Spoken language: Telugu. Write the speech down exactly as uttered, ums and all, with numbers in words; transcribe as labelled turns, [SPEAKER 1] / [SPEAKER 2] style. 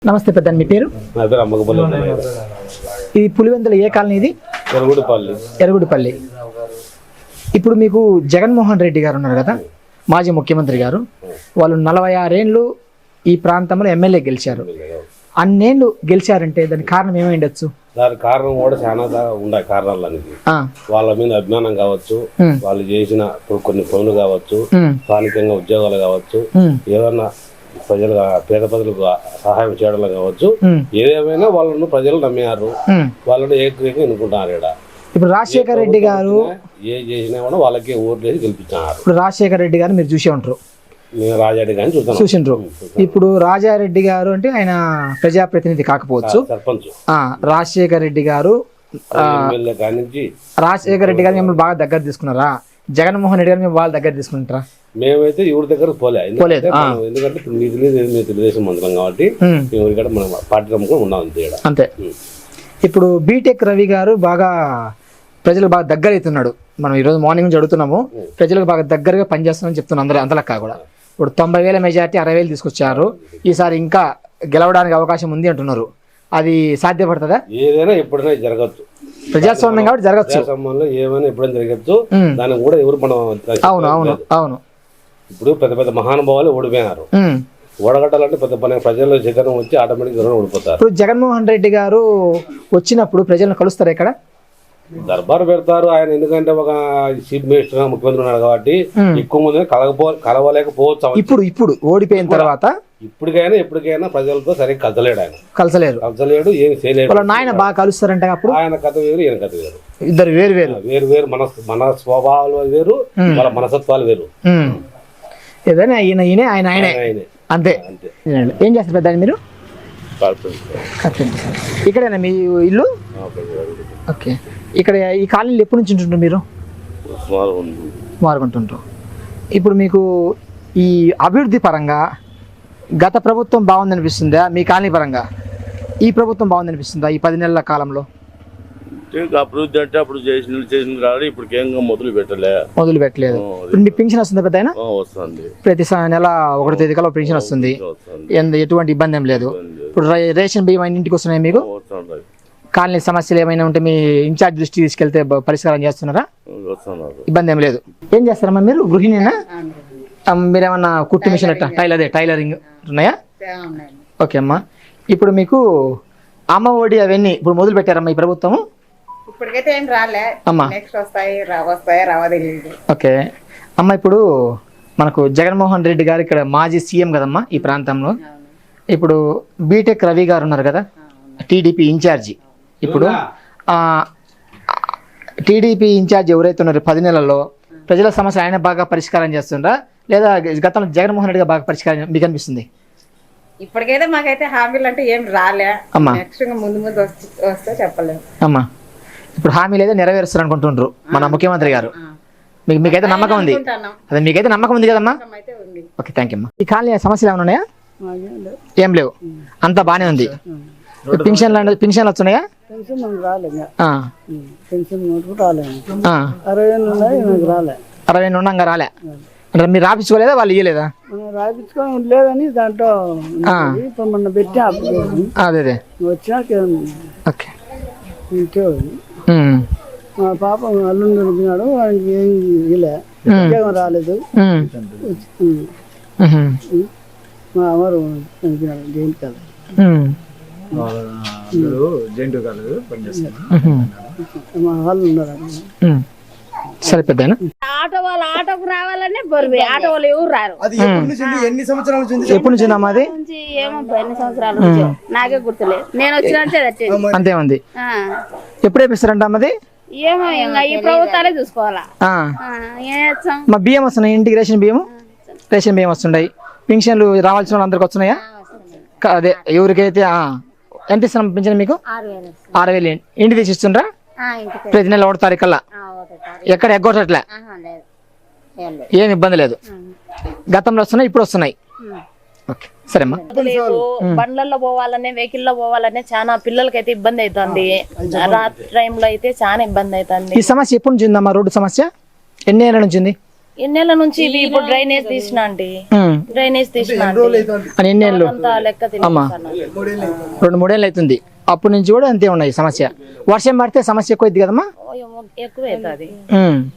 [SPEAKER 1] నమస్తే పెద్ద మీ పేరు?
[SPEAKER 2] నా పేరు అమ్మకపల్లి.
[SPEAKER 1] ఇది పులివెందుల ఏ కాలనీ? ఇది
[SPEAKER 2] ఎరుగుడిపల్లి.
[SPEAKER 1] ఎరుగుడిపల్లి. ఇప్పుడు మీకు జగన్మోహన్ రెడ్డి గారు ఉన్నారు కదా, మాజీ ముఖ్యమంత్రి గారు. వాళ్ళు నలభై ఆరేళ్ళు ఈ ప్రాంతంలో ఎమ్మెల్యే గెలిచారు. అన్నేళ్ళు గెలిచారంటే దానికి కారణం ఏమై ఉండొచ్చు?
[SPEAKER 2] దానికి కారణం కూడా చాలా ఉన్నాయి కారణాలు అనేది. వాళ్ళ మీద అభిమానం కావచ్చు, వాళ్ళు చేసిన కొన్ని పనులు కావచ్చు, స్థానికంగా ఉద్యోగాలు కావచ్చు, ఏదన్నా ప్రజలు పేద ప్రజలకు సహాయం చేయడం కావచ్చు, ఏదేమైనా వాళ్ళను ప్రజలు నమ్మారు, వాళ్ళని ఏకైక ఎన్నుకుంటున్నారు. ఇక్కడ
[SPEAKER 1] ఇప్పుడు రాజశేఖర రెడ్డి గారు
[SPEAKER 2] ఏ చేసినా కూడా వాళ్ళకి ఓట్లు వేసి గెలిపించారు.
[SPEAKER 1] ఇప్పుడు రాజశేఖర రెడ్డి గారు మీరు చూసే ఉంటారు,
[SPEAKER 2] రాజారెడ్డి గారిని చూస్తాను
[SPEAKER 1] చూసిండ్రు. ఇప్పుడు రాజారెడ్డి గారు అంటే ఆయన ప్రజాప్రతినిధి కాకపోవచ్చు,
[SPEAKER 2] సర్పంచ్.
[SPEAKER 1] రాజశేఖర రెడ్డి గారు రాజశేఖర రెడ్డి గారు మిమ్మల్ని బాగా దగ్గర తీసుకున్నారా? జగన్మోహన్ రెడ్డి గారు మేము వాళ్ళ దగ్గర తీసుకుంటారా?
[SPEAKER 2] మేమైతే ఎవరి దగ్గర పోలే, ఎందుకంటే మీరు తెలుగుదేశం మంత్రం కాబట్టి మేము ఇక్కడ మన పార్టీ నమ్ముకొని ఉన్నాం అంతే.
[SPEAKER 1] అంతే. ఇప్పుడు బీటెక్ రవి గారు బాగా ప్రజలకు బాగా దగ్గర అవుతున్నాడు. మనం ఈరోజు మార్నింగ్ నుంచి అడుగుతున్నాము, ప్రజలకు బాగా దగ్గరగా పనిచేస్తున్నామని చెప్తున్నాం అందరూ అంతలక్క కూడా. ఇప్పుడు తొంభై వేల మెజార్టీ అరవై వేలు తీసుకొచ్చారు. ఈసారి ఇంకా గెలవడానికి అవకాశం ఉంది అంటున్నారు. అది సాధ్యపడుతుందా?
[SPEAKER 2] ఏదైనా ఎప్పుడైనా జరగచ్చు,
[SPEAKER 1] ప్రజాస్వామ్యం కాబట్టి జరగచ్చు.
[SPEAKER 2] ప్రజాస్వామ్యంలో ఏమైనా ఎప్పుడైనా జరగచ్చు. దానికి కూడా ఎవరు మనం
[SPEAKER 1] అవును అవును అవును
[SPEAKER 2] ఇప్పుడు పెద్ద పెద్ద మహానుభావాలు ఓడిపోయినారు. ఓడగట్టాలంటే పెద్ద పని ప్రజల్లో చైతన్యం వచ్చి ఆటోమేటిక్ ఓడిపోతారు.
[SPEAKER 1] ఇప్పుడు జగన్మోహన్ రెడ్డి గారు వచ్చినప్పుడు ప్రజలను కలుస్తారు ఇక్కడ,
[SPEAKER 2] దర్బారు పెడతారు. ఆయన ఎందుకంటే ఒక చీఫ్ మినిస్టర్ ముఖ్యమంత్రి ఉన్నారు కాబట్టి ఎక్కువ మంది కలగపో కలవలేకపోవచ్చు. ఇప్పుడు ఇప్పుడు ఓడిపోయిన తర్వాత ఇప్పటికైనా ఎప్పటికైనా ప్రజలతో సరిగ్గా కలసలేడు. ఆయన కలసలేరు కలసలేడు ఏమి చేయలేడు.
[SPEAKER 1] ఆయన బాగా కలుస్తారంట. అప్పుడు
[SPEAKER 2] ఆయన కథ వేరు, ఈయన కథ వేరు,
[SPEAKER 1] ఇద్దరు వేరు వేరు
[SPEAKER 2] వేరు వేరు మన మన స్వభావాలు వేరు, వాళ్ళ మనసత్వాలు వేరు.
[SPEAKER 1] ఏదైనా ఈయన ఈయన ఆయన ఆయనే అంతే. ఏం చేస్తారు పెద్ద మీరు? ఇక్కడేనా మీ ఇల్లు? ఓకే. ఇక్కడ ఈ కాలనీలో ఎప్పటి నుంచి ఉంటుంటారు మీరు? మారుకుంటుంటారు. ఇప్పుడు మీకు ఈ అభివృద్ధి పరంగా గత ప్రభుత్వం బాగుందనిపిస్తుందా? మీ కాలనీ పరంగా ఈ ప్రభుత్వం బాగుందనిపిస్తుందా ఈ పది నెలల కాలంలో?
[SPEAKER 2] అభివృద్ధి అంటే అప్పుడు చేసిన చేసిన రాడు, ఇప్పుడు కేంద్రం మొదలు పెట్టలే
[SPEAKER 1] మొదలు పెట్టలేదు. ఇప్పుడు మీ పెన్షన్ వస్తుంది పెద్ద?
[SPEAKER 2] వస్తుంది,
[SPEAKER 1] ప్రతి నెల ఒకటో తేదీ కల్లా పెన్షన్ వస్తుంది, ఎటువంటి ఇబ్బంది ఏం లేదు. ఇప్పుడు రేషన్ బియ్యం అయిన ఇంటికి వస్తున్నాయి మీకు? కాలనీ సమస్యలు ఏమైనా ఉంటే మీ ఇన్ఛార్జ్ దృష్టి తీసుకెళ్తే పరిష్కారం చేస్తున్నారా? ఇబ్బంది ఏం లేదు. ఏం చేస్తారమ్మా మీరు? గృహిణినా? మీరేమన్నా కుట్టు మిషన్ టైలర్ అదే టైలరింగ్ ఉన్నాయా? ఓకే అమ్మా. ఇప్పుడు మీకు అమ్మ ఒడి అవన్నీ ఇప్పుడు మొదలు పెట్టారమ్మా ఈ ప్రభుత్వం?
[SPEAKER 3] ఇప్పటికైతే ఏం రాలే
[SPEAKER 1] అమ్మా,
[SPEAKER 3] నెక్స్ట్ వస్తాయి వస్తాయి రావో తెలియదు.
[SPEAKER 1] ఓకే అమ్మ. ఇప్పుడు మనకు జగన్మోహన్ రెడ్డి గారు ఇక్కడ మాజీ సీఎం కదమ్మా ఈ ప్రాంతంలో. ఇప్పుడు బీటెక్ రవి గారు ఉన్నారు కదా, టీడీపీ ఇన్ఛార్జి. ఇప్పుడు టీడీపీ ఇన్ఛార్జ్ ఎవరైతే ఉన్నారో పది నెలల్లో ప్రజల సమస్య ఆయన బాగా పరిష్కారం చేస్తుండ్రా, లేదా గతంలో జగన్మోహన్ రెడ్డి గారు బాగా పరిష్కారం మీకు అనిపిస్తుంది?
[SPEAKER 3] ఇప్పటికైతే మాకైతే హామీలు అంటే ఏం రాలే
[SPEAKER 1] అమ్మా.
[SPEAKER 3] నెక్స్ట్ ముందు ముందు వస్తే చెప్పలేము
[SPEAKER 1] అమ్మా. ఇప్పుడు హామీలు అయితే నెరవేరుస్తారు అనుకుంటుండ్రు మన ముఖ్యమంత్రి గారు. మీకు మీకైతే నమ్మకం ఉంది? అదే మీకైతే నమ్మకం ఉంది కదమ్మా? ఓకే, థ్యాంక్ యూ అమ్మా. ఈ కాలనీ సమస్యలు ఏమైనా ఉన్నాయా? ఏం లేవు, అంతా బాగానే ఉంది. పెన్షన్లు పెన్షన్లు వస్తున్నాయా? అరవై ఏళ్ళు ఉన్నాక రాలే అంటే మీరు రాపించుకోలేదా? వాళ్ళు ఇవ్వలేదా?
[SPEAKER 4] రాపించుకోలేదని దాంట్లో మొన్న పెట్టా
[SPEAKER 1] అదే అదే
[SPEAKER 4] వచ్చాక
[SPEAKER 1] ఓకే.
[SPEAKER 4] మా పాప అల్లుండి దొరికినాడు, ఆయనకి ఏం ఇలే ఉద్యోగం రాలేదు. మా అమ్మరు చనిపోయినాడు జైలు కాదు, మా వాళ్ళు ఉన్నారు.
[SPEAKER 1] సరే పెద్ద
[SPEAKER 5] ఆటో వాళ్ళు ఆటోకు రావాలనే బరువు, ఆటో వాళ్ళు ఎవరు రారు.
[SPEAKER 1] ఎన్ని సంవత్సరాల నుంచి? ఎప్పటి నుంచి అది?
[SPEAKER 5] ఏమో ఎన్ని సంవత్సరాల నుంచి నాకే గుర్తులేదు, నేను వచ్చిన
[SPEAKER 1] అంతే ఉంది. ఎప్పుడు వేపిస్తారంట అమ్మది?
[SPEAKER 5] ఏమో ఇంకా ఈ ప్రభుత్వాలే చూసుకోవాలా.
[SPEAKER 1] మా బియ్యం వస్తున్నాయి ఇంటికి, రేషన్ బియ్యం రేషన్ బియ్యం వస్తున్నాయి. పెన్షన్లు రావాల్సిన వాళ్ళు అందరికి వస్తున్నాయా? అదే ఎవరికైతే ఎంత ఇస్తున్నాం పెన్షన్ మీకు? ఆరు వేలు ఇంటి తీసి ఇస్తుండ్రా ప్రతి నెల ఒకటి తారీఖు కల్లా? ఎక్కడ ఎగ్గొట్టట్లే, ఏం ఇబ్బంది లేదు. గతంలో వస్తున్నాయి, ఇప్పుడు వస్తున్నాయి. ఓకే సరే అమ్మా.
[SPEAKER 5] బండ్లలో పోవాలనే వెహికల్ లో పోవాలనే చాలా పిల్లలకైతే ఇబ్బంది అవుతుంది. రాత్రి టైంలో అయితే చాలా ఇబ్బంది అవుతుంది.
[SPEAKER 1] ఈ సమస్య ఎప్పటి నుంచి ఉందమ్మా? రోడ్డు సమస్య ఎన్ని ఏళ్ళ నుంచి ఉంది?
[SPEAKER 5] ఎన్నేళ్ల నుంచి ఇవి ఇప్పుడు డ్రైనేజ్ తీసిన అండి
[SPEAKER 1] ఉమ్.
[SPEAKER 5] డ్రైనేజ్ తీసిన
[SPEAKER 1] అని ఎన్ని ఏళ్ళు
[SPEAKER 5] అంత లెక్క
[SPEAKER 1] అమ్మా
[SPEAKER 5] తెలియదు
[SPEAKER 1] రెండు మూడేళ్ళు అవుతుంది అప్పటి నుంచి కూడా అంతే ఉన్నాయి సమస్య వర్షం పడితే సమస్య ఎక్కువ అవుతుంది కదమ్మా
[SPEAKER 5] ఎక్కువ అవుతుంది
[SPEAKER 1] ఉమ్.